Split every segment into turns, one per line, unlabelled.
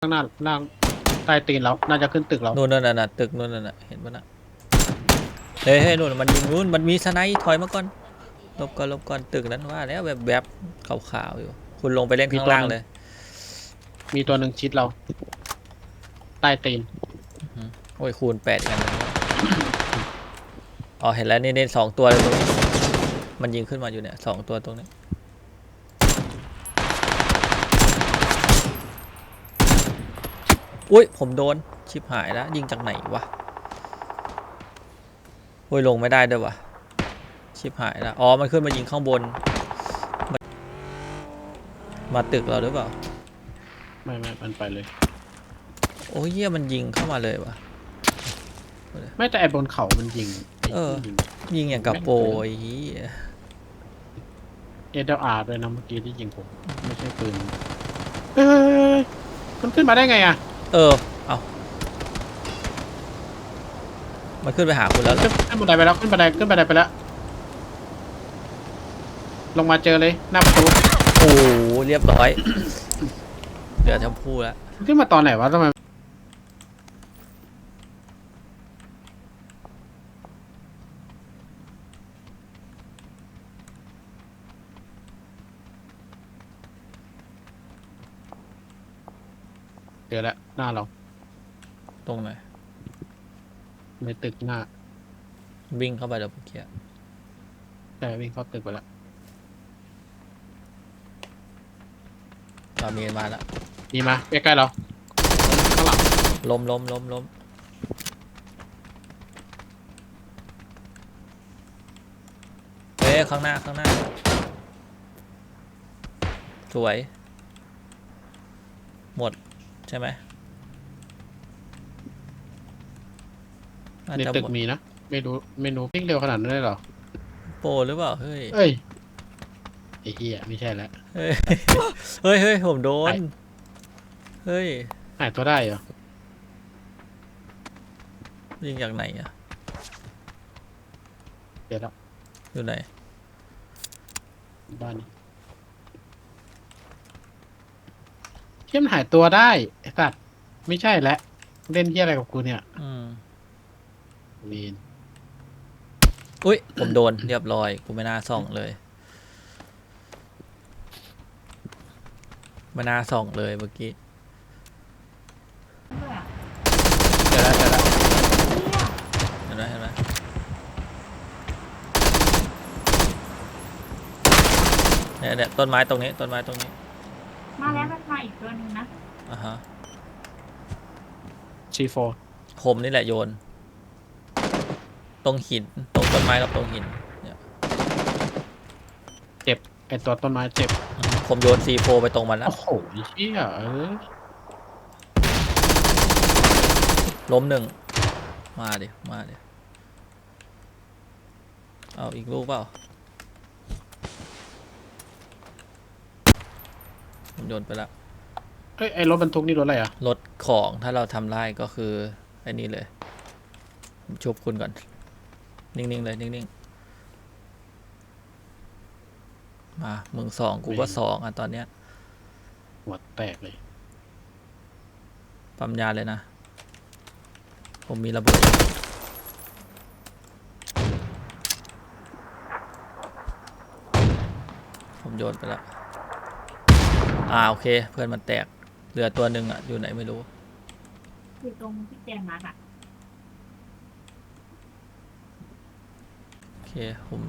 ข้างหน้าล่างใต้ตีนเราน่าจะขึ้นตึกเรา
นู่นน่ะตึกนู่นน่ะเห็นปะน่ะเฮ้ยนู่นมันยิงนู่นมันมีสไนป์ถอยมาก่อนหลบก่อนตึกนั้นว่าแล้วแบบขาวๆอยู่คุณลงไปเล่นข้างล่างเลย
มีตัวหนึ่งชิดเราใต้ตีน
โอ้ยคูณ8กันอ๋อเห็นแล้วนี่2ตัวเลยตรงนี้มันยิงขึ้นมาอยู่เนี่ย2ตัวตรงนี้อุ้ยผมโดนชิบหายแล้วยิงจากไหนวะโอ้ยลงไม่ได้ด้วยวะชิบหายแล้วอ๋อมันขึ้นมายิงข้างบนมาตึกเราหรือเปล่า
ไม่มันไปเลย
โอ้ยเหี้ยมันยิงเข้ามาเลยวะ
ไม่แต่ไอ้บนเขามันยิง
ยิงอย่างกับโปรย
SLRด้วยนะเมื่อกี้ที่ยิงผมไม่ใช่ปืนเฮ้ยมันขึ้นมาได้ไงอ่ะ
เอามันขึ้นไปหาคุณแล้วเหรอ
ขึ้นบันไดไปแล้วขึ้นบันไดไปแล้วลงมาเจอเลยหน้าประตู
โอ้เรียบร้อยเดี๋ยวจะพูดแล้ว
ขึ้นมาตอนไหนวะทำไมเจอแล้วหน้าเรา
ตรงไหน
ในตึกหน้า
วิ่งเข้าไปเดี๋ยวผมเคลียร์
แต่วิ่งเข้าตึกไปแล้ว
มีมาแล้ว
มีมาใกล้ๆเราข้างหลัง
ล้มเฮ้ยข้างหน้าสวยหมดใช่ไหม
ในตึกมีนะไม่รู้วิ่งเร็วขนาดนั้นเลยเหรอ
โปรหรือเปล่าเฮ้ย
เอ้ยไอ้เหี้ยไม่ใช่แล้ว
เฮ้ยผมโดนเฮ้ย
หายตัวได้เหรอ
ยิงจากไหนอะ
เดี๋ยวแล้ว
อยู่ไหน
บ้านนี้เทียมหายตัวได้ไอ้สัตว์ไม่ใช่แล้วเล่นเที่ยอะไรกับกูเนี่ยลีน
อุ้ยผมโดนเรียบร้อยกูไม่น่าส่องเลยไม่น่าส่องเลยเมื่อกี้
เจอแล้ว
เห็นไหมเนี่ยต้นไม้ตรงนี้
มาแล้วมันมาอีกตัวนึงนะ
ฮะ
C4
ผมนี่แหละโยนตรงหินตรงต้นไม้กับตรงหินเนี่ย
เจ็บไอตัวต้นไม้เจ็บ
ผมโยน C4 ไปตรงมันแล้ว
โอ้โหเชี่ย
ล้มหนึ่งมาดิเอาอีกลูกเปล่าผมโยนไปแล้ว
เอ้ยไอรถบรรทุกนี่รถอะไรอ่ะ
รถของถ้าเราทำได้ก็คือไอ้นี่เลยชุบคุณก่อนนิ่งๆเลยนิ่งๆมามึง2กูก็2อ่ะตอนเนี้ย
หัวแตกเลย
ปั๊มยาเลยนะผมมีระเบิดผมโยนไปแล้วโอเคเพื่อนมันแตกเหลือตัวหนึ่งอ่ะอยู่ไหนไม่รู้
อยู่ตรงที่แจมมาค่ะ
โอเคผม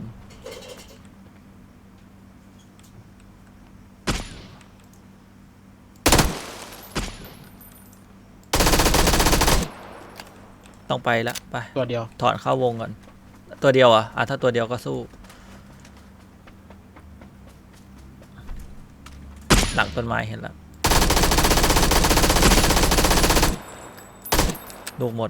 ต้องไปละไป
ตัวเดียว
ถอนเข้าวงก่อนตัวเดียวถ้าตัวเดียวก็สู้หลังต้นไม้เห็นแล้วลูกหมด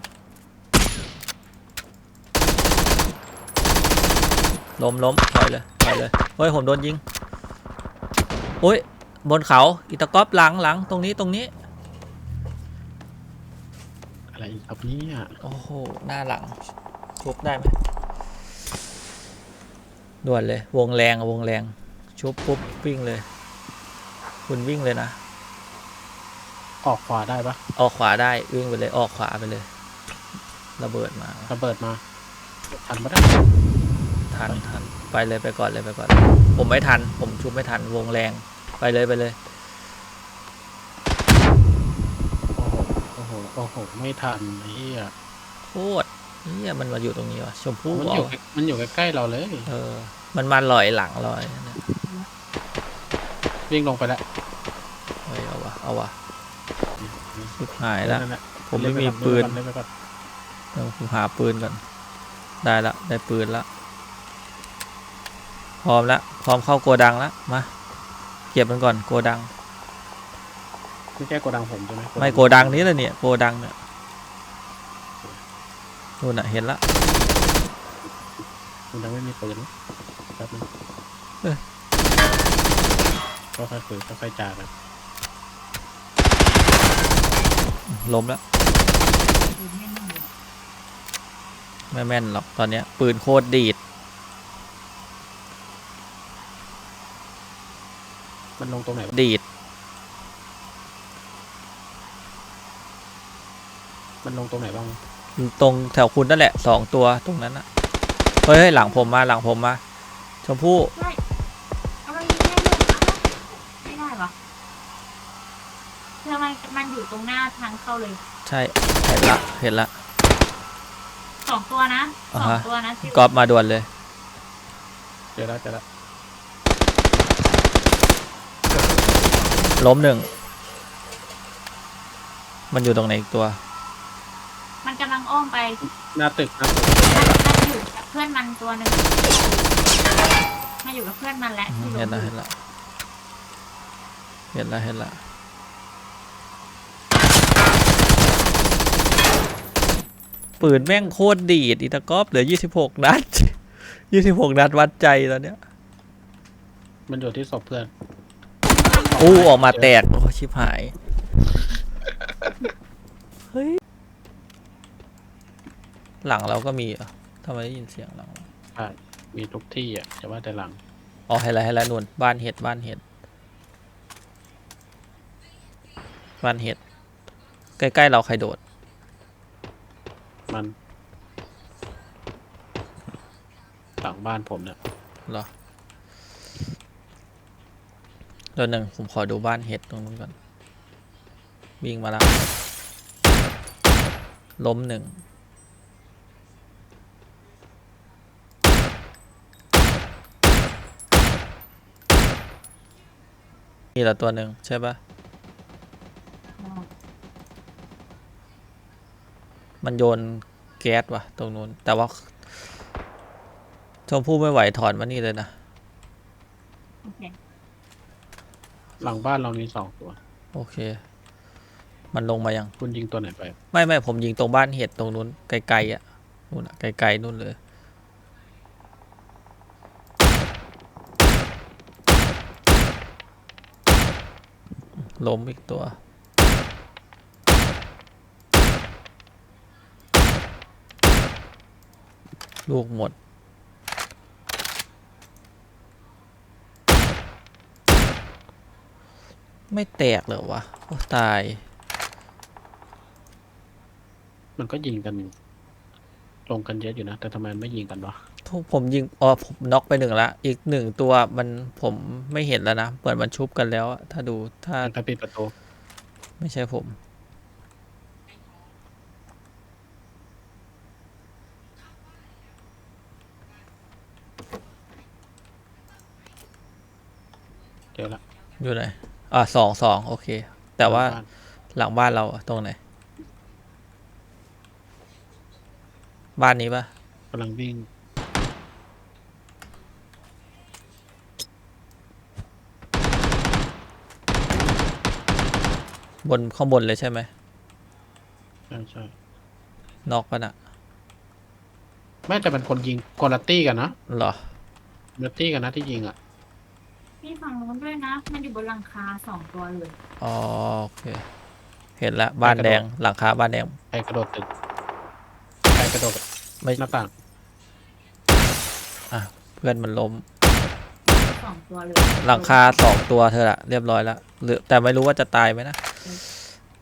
ล้มถอยเลยเฮ้ยผมโดนยิงโอ้ยบนเขาอิตาก๊อปหลังตรงนี้
อะไรอีกครับเนี่ย
โอ้โหหน้าหลังชุบได้ไหมด่วนเลยวงแรงชุบปุ๊บวิ่งเลยคุณวิ่งเลยนะ
ออกขวาได้ปะ
ออกขวาได้วิ่งไปเลยออกขวาไปเลย ระเบิดมา
ระเบิดมาทันปะได้
ทันไปเลยไปก่อนเลยไปก่อน ผมไม่ทัน ผมชุบไม่ทันวงแรงไปเลยไปเลย
โอ้โหไม่ทันไอ้เหี้ย
โคตรเนี่ยมันมาอยู่ตรงนี้วะชมพู่
มัน
เหร
อยู่
อ
มันอยู่ใกล้ๆเราเลย
มันมาลอยหลังลอยเนี่ย
วิ่งลงไปแล้ว
เฮ้ยเอาวะชิบหายแล้ว
นั่นแหะ
ผมไม่มีปืน
เล่นไปก่อน
เดี๋ยวผมหาปืนก่อนได้ละได้ปืนละพร้อมละพร้อมเข้าโกดังละมาเก็บมันก่อนโกดัง
ไม่ใช่โกดังผมใช่ไหม
ไม่โกดังนี้เลยเนี่ยโกดังเนี่ยนู่นน่ะเห็นละ
มันยังไม่มีปืนนะแป๊บนึงก็ค่อยคุยก็ค่อยจากัน
ล้มแล้ว
ดูไม่แน่เลย
ไม่แม่นหรอกตอนเนี้ยปืนโคตรดีด
มันลงตรงไหนวะ
ดีด
มันลงตรงไหนบ้าง
ตรงแถวคุณนั่นแหละ2 ตัวตรงนั้นนะเฮ้ยหลังผมมาชมพู่
ใช่เอามันยิงได้เลยไม่ได้ปะทำไมมันอยู่ตรงหน้าทางเข้าเลย
ใช่เห็นละ
2 ตัวนะ
อ่า
สอ
ฮะ
งตัวนะที่
กอล์ฟมาด่วนเลย
เจอแล้ว
ล้ม1มันอยู่ตรงไหนอีกตัว
มันกำลังอ้อมไป
หน้าตึก
มันอยู่กับเพื่อนมันตัวหนึ่งมาอยู่กับเพื่อนมันแหละที่ล
เห็น
ง
ละ
อ
เห็
ยู่
นละปืนแม่งโคตรดีดอีตากอฟเหลือ26 นัด 26 นัดวัดใจตอนเนี้ย
มันอยู่ที่ศพเพื่อน
อู้ออกมาแตกโอ้ชิบหายเฮ้ยหลังเราก็มีเหรอทำไมได้ยินเสียงหลังเรา
ใช่มีทุกที่อ่ะจะว่าแต่หลัง
อ๋อให้แล้วนู่นบ้านเห็ดใกล้ๆเราใครโดด
มันหลังบ้านผมเนี่ย
เหรอเดี๋ยวหนึ่งผมขอดูบ้านเห็ดตรงนู้นก่อนวิ่งมาแล้วล้ม1นี่ละตัวหนึ่งใช่ปะมันโยนแก๊สว่ะตรงนู้นแต่ว่าชมพู่ไม่ไหวถอนมานี่เลยนะ
โอเค
หลังบ้านเรามี2 ตัว
โอเค มันลงมายัง
คุณยิงตัวไหนไป
ไม่ผมยิงตรงบ้านเห็ดตรงนู้นไกลๆอ่ะนู่นอ่ะไกลๆนู่นเลยล้มอีกตัว ลูกหมด ไม่แตกเหรอวะโอ้ตาย
มันก็ยิงกันลงกันเยอะอยู่นะแต่ทำไมไม่ยิงกันวะ
ผมยิงผมน็อกไป1ละอีก1ตัวมันผมไม่เห็นแล้วนะเหมือนมันชุบกันแล้วอะถ้าดูถ้า
มันก็ปิดประตู
ไม่ใช่ผม
เจอละ
อยู่ไหนสองโอเค แต่ว่า
บ้น
หลังบ้านเราอะตรงไหน บ้านนี้ปะ
กำลังวิ่ง
ข้างบนเลยใช่ไหม
ใช่
นอกปะน่ะ
ไม่แต่เป็นคนยิงคนละตี้กันนะ
เหรอ
คนละตี้กันนะที่ยิงอ่ะ
มีฝั่งนู้นด้วยนะ มันอยู่บนหลังคา2 ตัวเลย
อ๋อโอเค เห็นละบ้านแดงหลังคาบ้านแดง
ใครกระโดดตึกใครกระโดด
ไม่
หน้าต่าง
เพื่อนมันล้ม
2 ตัวเลย
หลังคา2 ตัวเธอละเรียบร้อยแล้วหรือแต่ไม่รู้ว่าจะตายไหมนะ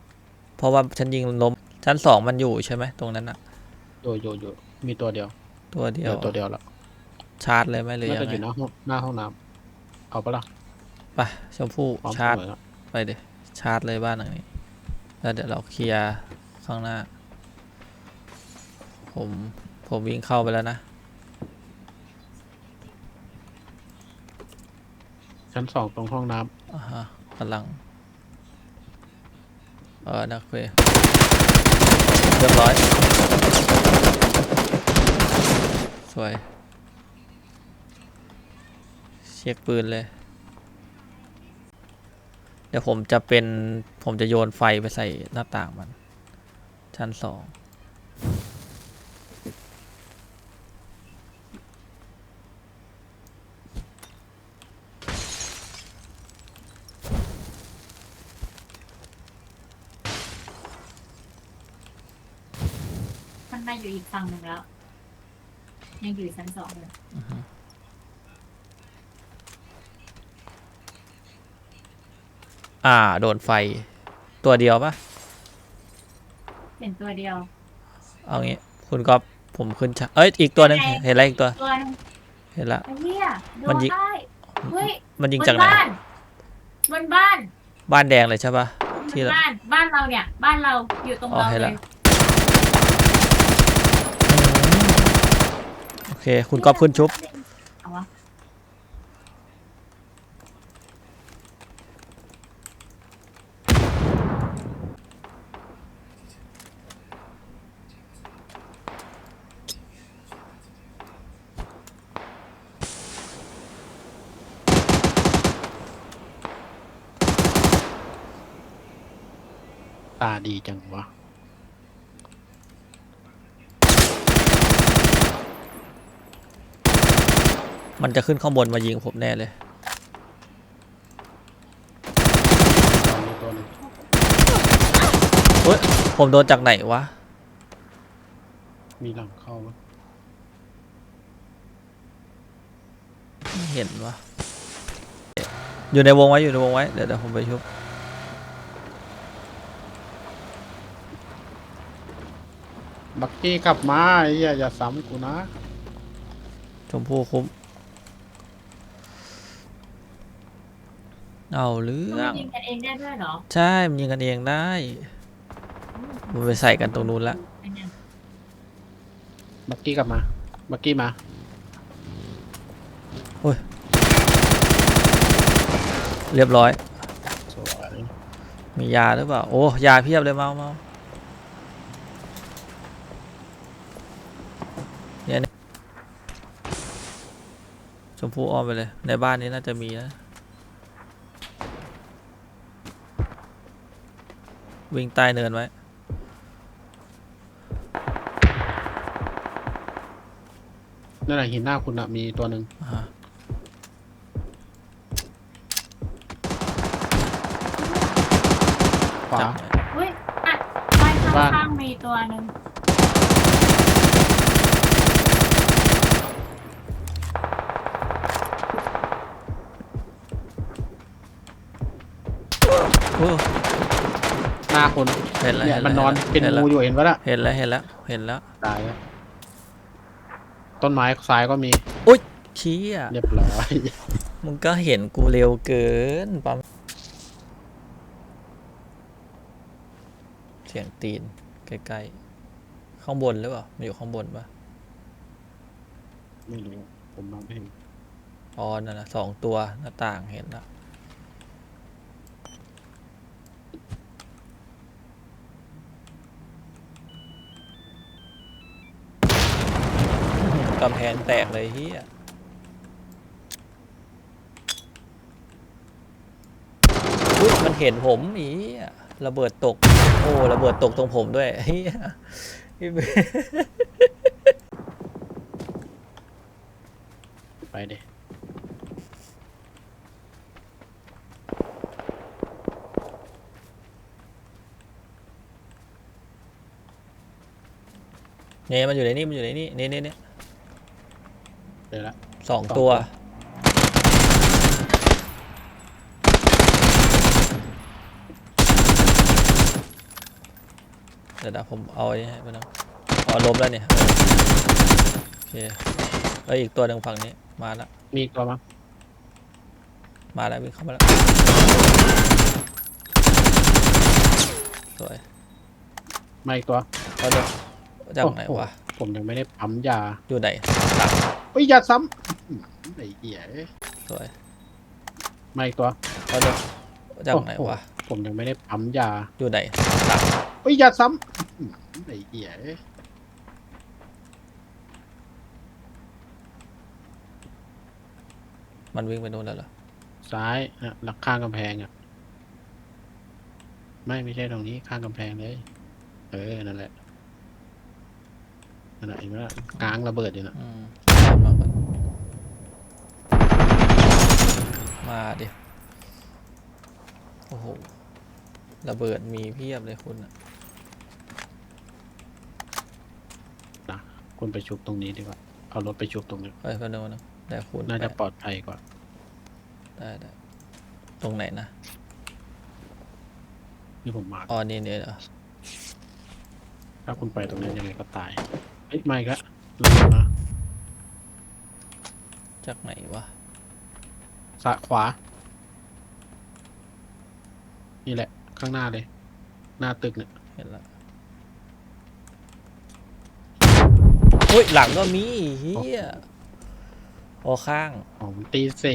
เพราะว่าฉันยิงล้มชั้นสองมันอยู่ใช่ไหมตรงนั้นอะ
อยู่มีตัวเดียว
ตัวเดี
เดี
ย
ยว วตัวเดียวละ
ชาร์จเลยไหมหรือ
น่า
ยั
จะ
ง
อ
ไง
ยู่หน้าห้องน้ำเอาปะล่ะ
ไปชมพู่
พร้อม
ชาร์จ
เสมอละ
ไปเดี๋ยวชาร์จเลยบ้านหลังนี้แล้วเดี๋ยวเราเคลียร์ข้างหน้า ผมวิ่งเข้าไปแล้วนะ
ชั้นสองตรงห้องน้
อ่าฮะกำลังนักเวเรียบร้อยสวยเช็คปืนเลย เดี๋ยวผมจะโยนไฟไปใส่หน้าต่างมัน ชั้นสอง
มันมาอยู่อีกฝั่งหนึ่งแล้ว ยังอยู่ชั้น2เลย
โดนไฟตัวเดียวปะ
เป็นตัวเดียว
เอางี้คุณก๊อฟผมขึ้นเอ้ยอีกตัวหนึง
ยังไง
เห็นแล้วอีกตัว
ตัวนึง
เห็นละ
ไอ้เหี้ยโด
มัน
น
ยิง
ได้เฮ้ย
มันยิง
บ
จาก
น
ไหน
บ้านบนบ้าน
บ้านแดงเลยใช่ปะ
บ
ที่
น
ละ
บ้านเราเนี่ย บ้านเราอยู่ตรง
อ๋อ
เรา
เห็น
เล
ละ
ย
โอเค คุณก๊อฟขึ้นชุบ
เอาวะ
ำตาดีจังวะ
มันจะขึ้นข้างบนมายิงผมแน่เลย
มีตัวหนึง
เฮ้ย ผมโดนจากไหนวะ
มีหลังเข้ามั้ย
ไม่เห็นวะอยู่ในวงไว้ อยู่ในวงไว้ เดี๋ยวผมไปชุบ
บักกี้กลับมาไอ้เหี้ยอย่าซ้ำกูนะ
ชมพู่คุ้ม เอาเรื่อ
มัน
ง
ยิงกันเองได้ด้วยเหรอ
ใช่มันยิงกันเองได้มันไปใส่กันตรงนู้นละ
ไอ้เนี่ย
บักกี้กลับมาบักกี้มา
เรียบร้อย
สวย
มียาหรือเปล่า โอ้ ยาเพียบเลยเมาเนี่ยนี่ชมพู่อ้อมไปเลย ในบ้านนี้น่าจะมีนะ วิ่งใต้เนินไว้
นั่นแหละหินหน้าคุณอะมีตัวหนึ่ง
อ่าฮะ
ขวา
จับ
เฮ้ยอ่ะบ้าน
บ้าน
ข้างๆมีตัวหนึ่ง
โอ้
หน้าคน
เห็นแล้ว
เนี่ย
เห็น
มันน
แล้ว
อนเป็น
เห็นแล้ว
งูอยู่เห็นปะล่ะ
เห็นแล้ว เห็นแล้ว เห็นแล้ว
ตายแล้วต้นไม้ซ้ายก็มี
เชี้อ่ะ
เรียบร้อย
มึงก็เห็นกูเร็วเกินปั๊มเสียงตีนใกล้ๆ ข้างบนหรือเปล่ามันอยู่ข้างบนปะ
ไม่รู้ผมมองไม่เห็น
อ๋อนั่นนะ2 ตัวหน้าต่างเห็นแล้วกำแพงแตกเลยเฮียอุ๊ยมันเห็นผมอีอะระเบิดตก โอ้ระเบิดตกตรงผมด้วยเฮีย
ไปเด้
เนี่ยมันอยู่ในนี่มันอยู่ในนี่นี่
เดี๋ยวละ
2 ตัวเดี๋ยวผมเอาไอ้ให้ไปนะเอาล้มแล้วเนี่ยโอเคอีกตัวหนึ่งฝั่งนี้มาแล้ว
มีอีกตัวมั้ง
มาแล้ววิ่งเข้ามาแล้วสวย
มาอีกตัว
เอาเดี๋ยวจากไหน
โอ้โ
วะ
ผมยังไม่ได้ปั๊มยา
อยู่ไหนหลัง
เฮ้ยอย่าซ้ำไอ้เหี้ย
สวย
มาอีกตัว
เอาเดี๋ยวจากไหน
โอ้โ
วะ
ผมยังไม่ได้ปั๊มยา
อยู่ไหนหลัง
เฮ้ยอย่าซ้ำไอ้เหี้ย
มันวิ่งไปโน่นแล้วเหรอ
ซ้ายนะหลักข้างกำแพงอ่ะไม่ใช่ตรงนี้ข้างกำแพงเลยนั่นแหละนั่นแหละเห็นไหมล่ะกลางระเบิดอยู่นะ
มาก่อนมาดิโอ้โหระเบิดมีเพียบเลยคุณอะ
คุณไปชุบตรงนี้ดีกว่าเอารถไปชุบตรงนี้
ไปพนมนะได้คุณ
น่าจะ
ไป
ปลอดภัยกว่า
ได้ตรงไหนนะ
ที่ผมมา
อ๋อนี่เนี่ยเหรอ
ถ้าคุณไปตรงนั้นยังไงก็ตายเอ้ยไม่ละระเบิดมา
จากไหนวะ
สะขวา นี่แหละ ข้างหน้าเลย หน้าตึกเนี่ย
เห็นแล้วเฮ้ยหลังก็มีเฮียโอข้าง
อ๋อมันตีสี่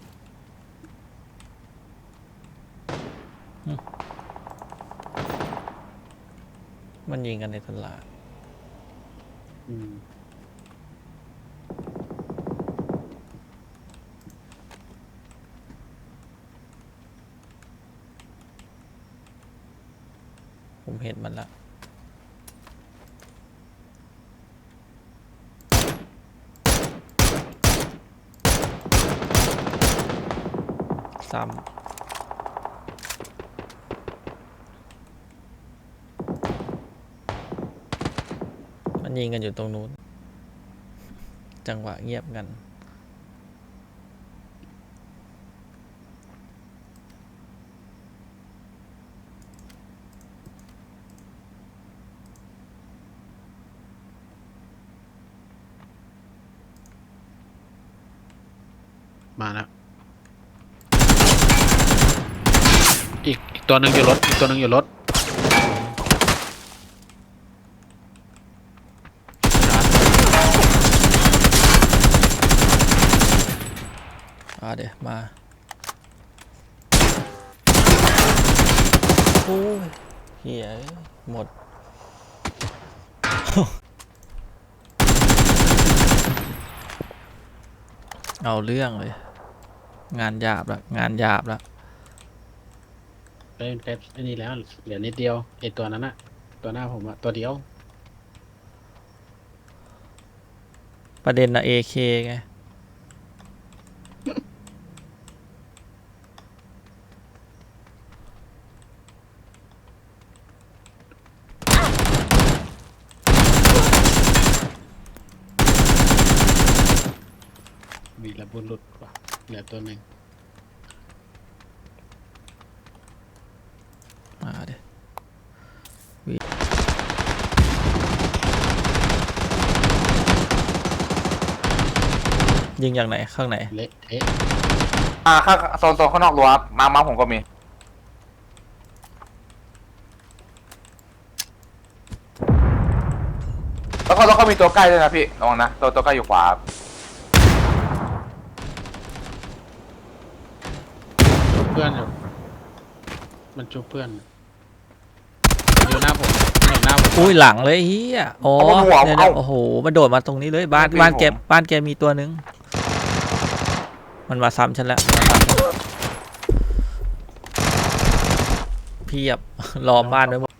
มันยิงกันในตลาด
อืม
ผมเห็นมันละซ้ำมันยิงกันอยู่ตรงนู้น จังหวะเงียบกัน
มาแล้วอีกตัวหนึ่งอยู่รถอีกตัวหนึ่งอยู่รถ
เดี๋ยวมา โอ้ยเฮียหมด เอาเรื่องเลย งานหยาบละงานหยาบละ
เป็นไอ้นี่แล้วเหลือนิดเดียวไอ้ตัวนั้นอะตัวหน้าผมอะตัวเดียว
ประเด็นนะ AK ไง
วีรบุรุษว่ะเหลือตัวหนึ่ง
มาเดี๋ยวยิงอย่างไหนข้างไหน
เละเทะ
ข้างโซนข้างนอกรั้วครับมาผมก็มี แล้วก็มีตัวใกล้ด้วยนะพี่ระวังนะตัวใกล้อยู่ขวาครับ
เพื่อนอยู่มันชุบเพื่อนอยู่หน้าผมหน้าผม
อุ้ยหลังเลยเฮียอ๋อเนี่ยโอ้โหมันโดดมาตรงนี้เลยบ้านแกมีตัวนึง มันมาซ้ำฉันแล้วเพียบ ล้อมบ้านไว้หมด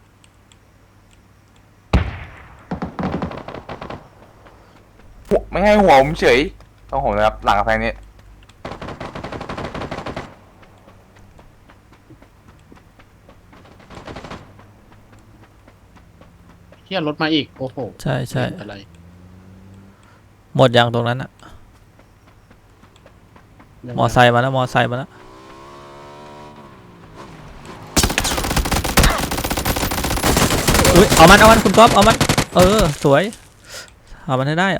ไม่ให้หัวผมเฉยต้องผมนะครับหลังกระแพงนี้
เฮียรถมาอีกโอ้โห
ใช่
อะไร
หมดอย่างตรงนั้นอะมอไซค์มาแล้วมอไซค์มาแล้วอุ้ยเอามันคุณก๊อฟเอามันสวยเอามันให้ได้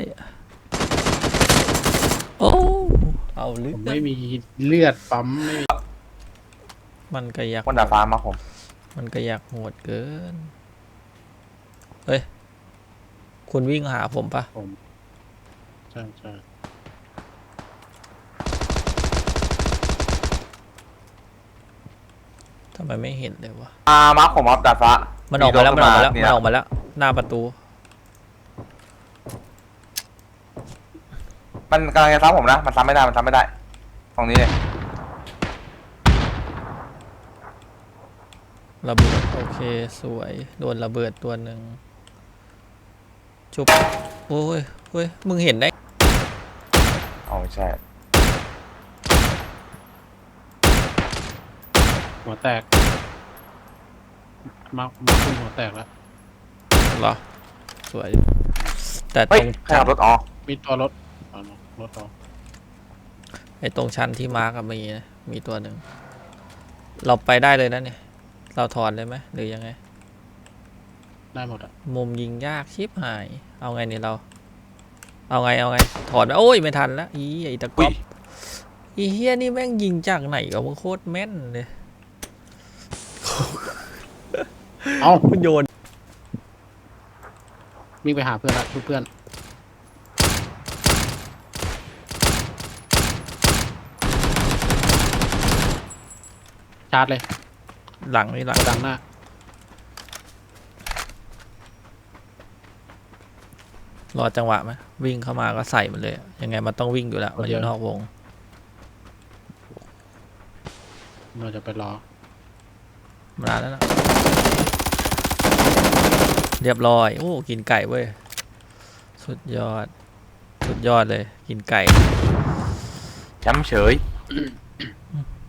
โอ้เอาเลื
ผ
อ
ม
ด
ไม่มีเลือดปั๊มไม่มี
มันก็อยาก
บนดาดฟ้ามาผม
มันก็อยากโหดเกินเฮ้ยคุณวิ่งหาผมปะ
ผมใช่ใช่
ทำไมไม่เห็นเลยวะ
มาผมครับดาดฟ้า
มันออกมาแล้ว
นี่นะ
หน้าประตู
มันกำลังจะซ้ำผมนะมันซ้ำไม่ได้ตรงนี้เลย
ระเบิดโอเคสวยโดนระเบิดตัวหนึ่งชุบโอ้ยเฮ้ยมึงเห็นได้
อ๋อใช่
หัวแตกมาคุณหัวแตกแล้ว
เหรอสวยแต่ต
เฮ้ย
รง
ใครขับรถอ๋อ
มีตัวรถรถต่อ
ไอ้ตรงชั้นที่มาร์กมีนะมีตัวหนึ่งเราไปได้เลยนะเนี่ยเราถอนเลยไหมหรือยังไง
ได้หมดอ่ะ
มุมยิงยากชิบหายเอาไงเนี่ยเราเอาไงถอนโอ้ยไม่ทันแล้วอีไอ้ตะก๊อบอีเฮียนี่แม่งยิงจากไหนกับมึงโคตรแม่นเลย
เอ้า
คุณโยน
วิ่งไปหาเพื่อนละเพื่อนชาร์จเลย
หลังนี่หลัง
กระดังหน้าร
อจังหวะไหมวิ่งเข้ามาก็ใส่มันเลยอะยังไงมันต้องวิ่งอยู่แล้วมันอยู่นอกวง
เราจะไปรอ
มาแล้วนะเรียบร้อยโอ้กินไก่เว้ยสุดยอดเลยกินไก่
แชมป์เฉย